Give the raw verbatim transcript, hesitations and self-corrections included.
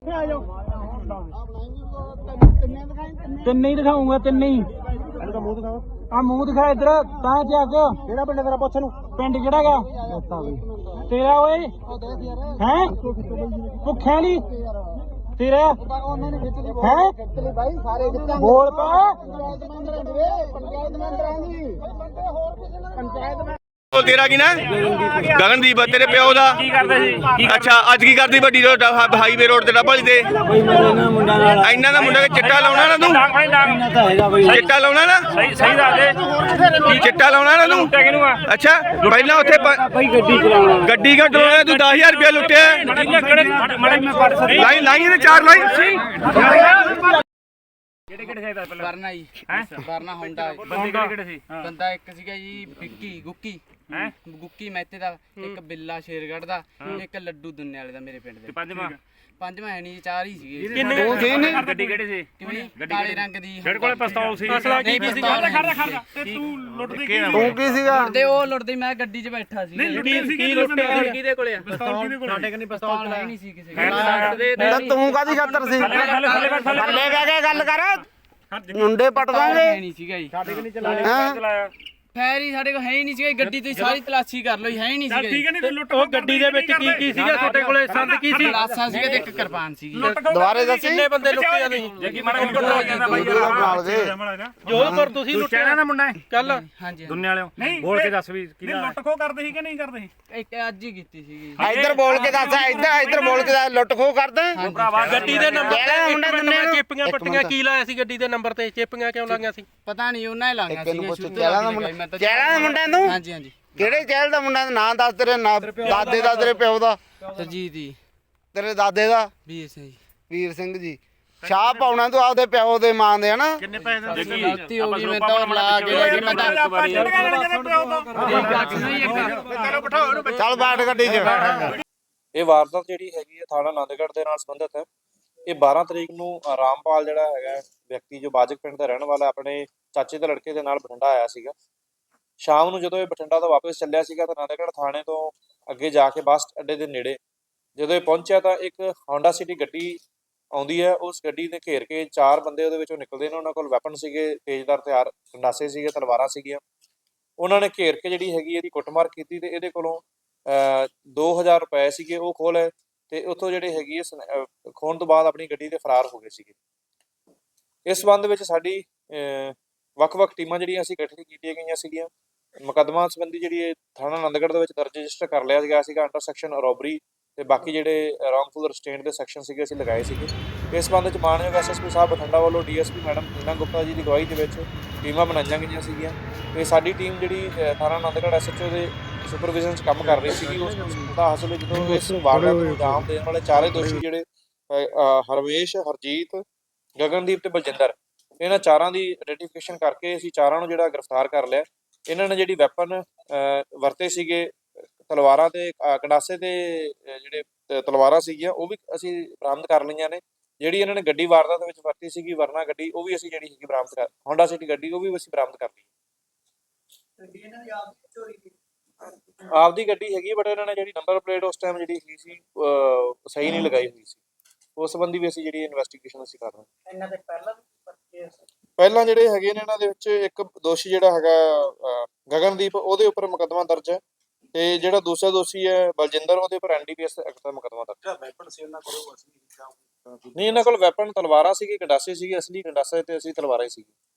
ਤਿੰਨੇ ਹੀ ਦਿਖਾਉਂਗਾ, ਤਿੰਨੇ ਹੀ। ਆ ਮੂੰਹ ਦਿਖਾ ਇੱਧਰ ਤਾਂ ਚੱਕ। ਕਿਹੜਾ ਪਿੰਡ ਤੇਰਾ ਪੁੱਛ ਨੂੰ? ਪਿੰਡ ਕਿਹੜਾ ਗਾ ਤੇਰਾ ਓਏ? ਹੈ ਭੁੱਖਿਆ ਨੀ ਤੇਰਾ ਹੈ? ਬੋਲ ਪਾ। ਉਹ ਤੇਰਾ ਕੀ ਨਾ? ਗਗਨਦੀਪ तेरे प्यो दा अच्छा अज की करदी वड्डी रोड हाईवे रोड ते डबल दे इन्ना दा मुंडा चिट्टा लाउणा ना तू? चिट्टा लाउणा ना? सही सही दस दे चिट्टा लाउणा ना तू? अच्छा पहला उत्थे गड्डी क्यों चलाउणा? तू दस हजार रुपया लुट्टिया। लाई लाई ने चार लाई ਵਰਨਾ ਜੀ ਵਰਨਾ ਹੋਂਡਾ। ਬੰਦੇ ਕਿਹੜੇ ਕਿਹੜੇ ਸੀ? ਬੰਦਾ ਇੱਕ ਸੀਗਾ ਜੀ ਵਿੱਕੀ ਗੁੱਕੀ ਹੈ ਗੁੱਕੀ ਮਹਿਤੇ ਦਾ, ਇੱਕ ਬਿੱਲਾ ਸ਼ੇਰਗੜ੍ਹ ਦਾ, ਇੱਕ ਲੱਡੂ ਦੁੰਨੇ ਵਾਲੇ ਦਾ ਮੇਰੇ ਪਿੰਡ ਦੇ। ਪੰਜਵਾਂ ਪੰਜਵਾਂ ਹੈ ਨਹੀਂ, ਚਾਰ ਹੀ ਸੀਗੇ। ਦੋ ਸੀ ਨੇ। ਗੱਡੀ ਕਿਹੜੇ ਸੀ? ਕਿਵੇਂ ਕਾਲੇ ਰੰਗ ਦੀ। ਜਿਹੜੇ ਕੋਲੇ ਪਿਸਤੌਲ ਸੀ। ਨਹੀਂ ਪਿਸਤੌਲ ਖੜਦਾ ਖੜਦਾ ਤੇ ਤੂੰ ਲੁੱਟਦੀ ਕੀ? ਤੂੰ ਕੀ ਸੀਗਾ? ਤੇ ਉਹ ਲੁੱਟਦੀ, ਮੈਂ ਗੱਡੀ 'ਚ ਬੈਠਾ ਸੀ। ਕੀ ਲੁੱਟਿਆ? ਕਿਹਦੇ ਕੋਲੇ ਆ ਪਿਸਤੌਲ? ਕਿਹਦੇ ਕੋਲੇ? ਸਾਡੇ ਕੋਲ ਪਿਸਤੌਲ ਹੈ ਨਹੀਂ ਸੀ ਕਿਸੇ ਕੋਲ। ਤੂੰ ਕਾਦੀ ਖਾਤਰ ਸੀ? ਥੱਲੇ ਬਹਿ ਕੇ ਗੱਲ ਕਰ, ਮੁੰਡੇ ਪਟ ਦਾਂਗੇ। ਨਹੀਂ ਸੀਗਾ ਜੀ ਸਾਡੇ ਕੋਲ ਨਹੀਂ ਚਲਾਇਆ। ਫੈਰ ਹੀ ਸਾਡੇ ਕੋਲ ਹੈ ਹੀ ਨਹੀਂ ਸੀਗਾ। ਗੱਡੀ ਤੁਸੀਂ ਸਾਰੀ ਤਲਾਸ਼ੀ ਕਰ ਲਓ, ਹੈ ਹੀ ਨਹੀਂ ਸੀਗਾ। ਠੀਕ ਹੈ ਨਹੀਂ ਲੁੱਟ। ਉਹ ਗੱਡੀ ਦੇ ਵਿੱਚ ਕੀ ਕੀ ਸੀਗਾ ਤੁਹਾਡੇ ਕੋਲੇ? ਸੰਦ ਕੀ ਸੀ? ਗਲਾਸਾ ਸੀਗਾ ਤੇ ਇੱਕ ਕਿਰਪਾਨ ਸੀਗੀ। ਦੁਬਾਰੇ ਦੱਸੀ ਕਿੰਨੇ ਬੰਦੇ ਲੁੱਟੇ ਆ ਤੁਸੀਂ? ਜੱਗੀ ਮਾੜਾ ਕੰਟਰੋਲ ਹੋ ਜਾਂਦਾ ਬਾਈ। ਜੋਧਪੁਰ ਤੁਸੀਂ ਲੁੱਟਿਆ ਨਾ ਮੁੰਡਾ ਕੱਲ ਹਾਂਜੀ ਦੁੰਨੇ ਵਾਲਿਓ? ਬੋਲ ਕੇ ਦੱਸ ਵੀ ਕੀ ਲੁੱਟ ਖੋ ਕਰਦੇ ਸੀ ਕਿ ਨਹੀਂ ਕਰਦੇ ਸੀ? ਇੱਕ ਅੱਜ ਹੀ ਕੀਤੀ ਸੀਗੀ। ਇੱਧਰ ਬੋਲ ਕੇ ਦੱਸ, ਇੱਧਰ ਇੱਧਰ ਬੋਲ ਕੇ ਦੱਸ। ਲੁੱਟ ਖੋ ਕਰਦਾ ਗੱਡੀ ਦੇ ਨੰਬਰ ਕਿਹੜਾ ਤੇ ਮੁੰਡਾ ਦੁੰਨੇ ਨੂੰ? ਚੇਪੀਆਂ ਪੱਟੀਆਂ ਕੀ ਲਾਇਆ ਸੀ ਗੱਡੀ ਦੇ ਨੰਬਰ ਤੇ? ਚੇਪੀਆਂ ਕਿਉਂ ਲਾਈਆਂ ਸੀ? ਪਤਾ ਨਹੀਂ, ਉਹਨਾਂ ਹੀ ਲਾਈਆਂ ਤੈਨੂੰ ਸੀਗੀਆਂ। ਪੁੱਛ ਸ਼ੁਰੂ ਚਹਿਲਾਂ ਦਾ ਮੁੰਡਾ, ਚਹਿਲਾਂ ਦਾ ਮੁੰਡਾ ਤੂੰ? ਹਾਂਜੀ ਹਾਂਜੀ। ਕਿਹੜੇ ਚਹਿਲ ਦਾ ਮੁੰਡਾ? ਨਾਂ ਦੱਸ ਤੇਰੇ ਦਾਦੇ ਦਾ, ਤੇਰੇ ਪਿਓ ਦਾ। ਸਰਜੀਤ ਜੀ। ਤੇਰੇ ਦਾਦੇ ਦਾ? ਵੀਰ ਸਿੰਘ ਜੀ। ਵੀਰ ਸਿੰਘ ਜੀ। ਸ਼ਾਹ ਪਾਉਣਾ ਤੂੰ ਆਪਦੇ ਪਿਓ ਦੇ ਮਾਂ ਦੇ ਹਨਾ? ਕਿੰਨੇ ਪੈਸੇ ਦੇ ਦਿੱਤੇ? ਗਲਤੀ ਹੋ ਗਈ, ਮੈਂ ਤਾਂ ਲਾ ਕੇ ਲੈ ਗਈ। ਮੈਂ ਤਾਂ ਆਪਾਂ ਚੜ ਗਏ ਜਿਹੜੇ ਪਿਓ ਤੋਂ ਚਲੋ ਬਿਠਾਓ ਇਹਨੂੰ। ਚੱਲ ਬੈਠ ਗੱਡੀ 'ਚ। ਇਹ ਵਾਰਦਾਤ ਜਿਹੜੀ ਹੈਗੀ ਹੈ ਥਾਣਾ ਆਨੰਦਗੜ੍ਹ ਦੇ ਨਾਲ ਸੰਬੰਧਿਤ ਹੈ। ਇਹ ਬਾਰਾਂ ਤਰੀਕ ਨੂੰ ਰਾਮਪਾਲ ਜਿਹੜਾ ਹੈਗਾ ਵਿਅਕਤੀ ਜੋ ਬਾਜਕ ਪਿੰਡ ਦਾ ਰਹਿਣ ਵਾਲਾ, ਆਪਣੇ ਚਾਚੇ ਦੇ ਲੜਕੇ ਦੇ ਨਾਲ ਬਠਿੰਡਾ ਆਇਆ ਸੀਗਾ। ਸ਼ਾਮ ਨੂੰ ਜਦੋਂ ਇਹ ਬਠਿੰਡਾ ਤੋਂ ਵਾਪਸ ਚੱਲਿਆ ਸੀਗਾ ਤਾਂ ਆਨੰਦਗੜ੍ਹ ਥਾਣੇ ਤੋਂ ਅੱਗੇ ਜਾ ਕੇ ਬੱਸ ਅੱਡੇ ਦੇ ਨੇੜੇ ਜਦੋਂ ਇਹ ਪਹੁੰਚਿਆ ਤਾਂ ਇੱਕ ਹੋਂਡਾ ਸਿਟੀ ਗੱਡੀ ਆਉਂਦੀ ਹੈ। ਉਸ ਗੱਡੀ ਨੇ ਘੇਰ ਕੇ ਚਾਰ ਬੰਦੇ ਉਹਦੇ ਵਿੱਚੋਂ ਨਿਕਲਦੇ ਨੇ। ਉਹਨਾਂ ਕੋਲ ਵੈਪਨ ਸੀਗੇ, ਤੇਜ਼ਦਾਰ ਹਥਿਆਰ, ਗੰਡਾਸੇ ਸੀਗੇ, ਤਲਵਾਰਾਂ ਸੀਗੀਆਂ। ਉਹਨਾਂ ਨੇ ਘੇਰ ਕੇ ਜਿਹੜੀ ਹੈਗੀ ਇਹਦੀ ਕੁੱਟਮਾਰ ਕੀਤੀ ਤੇ ਇਹਦੇ ਕੋਲੋਂ ਦੋ ਹਜ਼ਾਰ ਰੁਪਏ ਸੀਗੇ ਉਹ ਖੋਹ ਲਏ ਤੇ ਉੱਥੋਂ ਜਿਹੜੇ ਹੈਗੀ ਹੈ ਖੋਹਣ ਤੋਂ ਬਾਅਦ ਆਪਣੀ ਗੱਡੀ ਤੇ ਫਰਾਰ ਹੋ ਗਏ ਸੀਗੇ। ਇਸ ਸੰਬੰਧ ਵਿੱਚ ਸਾਡੀ ਵੱਖ-ਵੱਖ ਟੀਮਾਂ ਜਿਹੜੀਆਂ ਅਸੀਂ ਗਠਿਤ ਕੀਤੀਆਂ ਗਈਆਂ ਸੀਗੀਆਂ। ਮੁਕੱਦਮਾ ਸੰਬੰਧੀ ਜਿਹੜੀ ਇਹ ਥਾਣਾ ਆਨੰਦਗੜ੍ਹ ਦੇ ਵਿੱਚ ਦਰਜ ਰਜਿਸਟਰ ਕਰ ਲਿਆ ਗਿਆ ਸੀਗਾ ਅੰਡਰ ਸੈਕਸ਼ਨ ਰੋਬਰੀ ਤੇ ਬਾਕੀ ਜਿਹੜੇ ਰੌਂਗਫੁਲ ਰਿਸਟੇਂਟ ਦੇ ਸੈਕਸ਼ਨ ਸੀਗੇ ਅਸੀਂ ਲਗਾਏ ਸੀਗੇ। ਇਸ ਸੰਬੰਧ ਵਿੱਚ ਮਾਨਯੋਗ ਐਸਐਸਪੀ ਸਾਹਿਬ ਬਠਿੰਡਾ ਵੱਲੋਂ ਡੀਐਸਪੀ ਮੈਡਮ ਨੀਨਾ ਗੁਪਤਾ ਜੀ ਦੀ ਅਗਵਾਈ ਦੇ ਵਿੱਚ ਟੀਮਾਂ ਬਣਾਈਆਂ ਗਈਆਂ ਸੀਗੀਆਂ ਤੇ ਸਾਡੀ ਟੀਮ ਜਿਹੜੀ ਥਾਣਾ ਆਨੰਦਗੜ੍ਹ ਐਸਐਚਓ ਦੇ ਸੁਪਰਵਿਜ਼ਨ 'ਚ ਕੰਮ ਕਰ ਰਹੀ ਸੀਗੀ। ਉਸ ਦਾ ਹਾਸਲ ਜਦੋਂ ਇਸ ਵਾਰਦਾਤ ਨੂੰ ਅੰਜਾਮ ਦੇਣ ਵਾਲੇ ਚਾਰੇ ਦੋਸ਼ੀ ਜਿਹੜੇ ਹਰਵੇਸ਼, ਹਰਜੀਤ, ਗਗਨਦੀਪ ਤੇ ਬਲਜਿੰਦਰ, ਇਹਨਾਂ ਚਾਰਾਂ ਦੀ ਆਈਡੈਂਟੀਫਿਕੇਸ਼ਨ ਕਰਕੇ ਅਸੀਂ ਚਾਰਾਂ ਨੂੰ ਜਿਹੜਾ ਗ੍ਰਿਫਤਾਰ ਕਰ ਲਿਆ। ਇਹਨਾਂ ਨੇ ਜਿਹੜੀ ਵੈਪਨ ਵਰਤੇ ਸੀਗੇ, ਤਲਵਾਰਾਂ ਤੇ ਗੰਡਾਸੇ ਤੇ ਜਿਹੜੇ ਤਲਵਾਰਾਂ ਸੀਗੀਆਂ ਉਹ ਵੀ ਅਸੀਂ ਬਰਾਮਦ ਕਰ ਲਈਆਂ ਨੇ। ਜਿਹੜੀ ਇਹਨਾਂ ਨੇ ਗੱਡੀ ਵਾਰਦਾਤ ਵਿੱਚ ਵਰਤੀ ਸੀਗੀ ਵਰਨਾ ਗੱਡੀ, ਉਹ ਵੀ ਅਸੀਂ ਜਿਹੜੀ ਹੈਗੀ ਬਰਾਮਦ ਕਰ ਹੋਂਡਾ ਸਿਟੀ ਗੱਡੀ ਉਹ ਵੀ ਅਸੀਂ ਬਰਾਮਦ ਕਰ ਲਈ। ਆਪਦੀ ਗੱਡੀ ਹੈਗੀ ਬਟ ਇਹਨਾਂ ਨੇ ਜਿਹੜੀ ਨੰਬਰ ਪਲੇਟ ਉਸ ਟਾਈਮ ਜਿਹੜੀ ਹੈਗੀ ਸੀ ਸਹੀ ਨਹੀਂ ਲਗਾਈ ਹੋਈ ਸੀ। ਉਸ ਸੰਬੰਧੀ ਵੀ ਅਸੀਂ ਜਿਹੜੀ ਇਨਵੈਸਟੀਗੇਸ਼ਨ ਅਸੀਂ ਕਰ ਰਹੇ ਹਾਂ। ਇਹਨਾਂ ਦੇ ਪਹਿਲਾਂ ਪਹਿਲਾਂ ਜਿਹੜੇ ਹੈਗੇ ਨੇ ਇਹਨਾਂ ਦੇ ਵਿੱਚ ਇੱਕ ਦੋਸ਼ੀ ਜਿਹੜਾ ਹੈਗਾ ਗਗਨਦੀਪ, ਉਹਦੇ ਉੱਪਰ ਮੁਕੱਦਮਾ ਦਰਜ ਹੈ ਤੇ ਜਿਹੜਾ ਦੂਸਰਾ ਦੋਸ਼ੀ ਹੈ ਬਲਜਿੰਦਰ, ਉਹਦੇ ਉੱਪਰ ਐਨਡੀਪੀਐਸ ਐਕਟ ਦਾ ਮੁਕੱਦਮਾ ਦਰਜ ਹੈ। ਵੈਪਨ ਸੀ ਇਹਨਾਂ ਕੋਲ? ਨਹੀਂ, ਇਹਨਾਂ ਕੋਲ ਵੈਪਨ ਤਲਵਾਰਾਂ ਸੀਗੀ, ਗੰਡਾਸੇ ਸੀਗੇ, ਅਸਲੀ ਗੰਡਾਸੇ ਤੇ ਅਸੀਂ ਤਲਵਾਰਾਂ ਹੀ ਸੀਗੀ।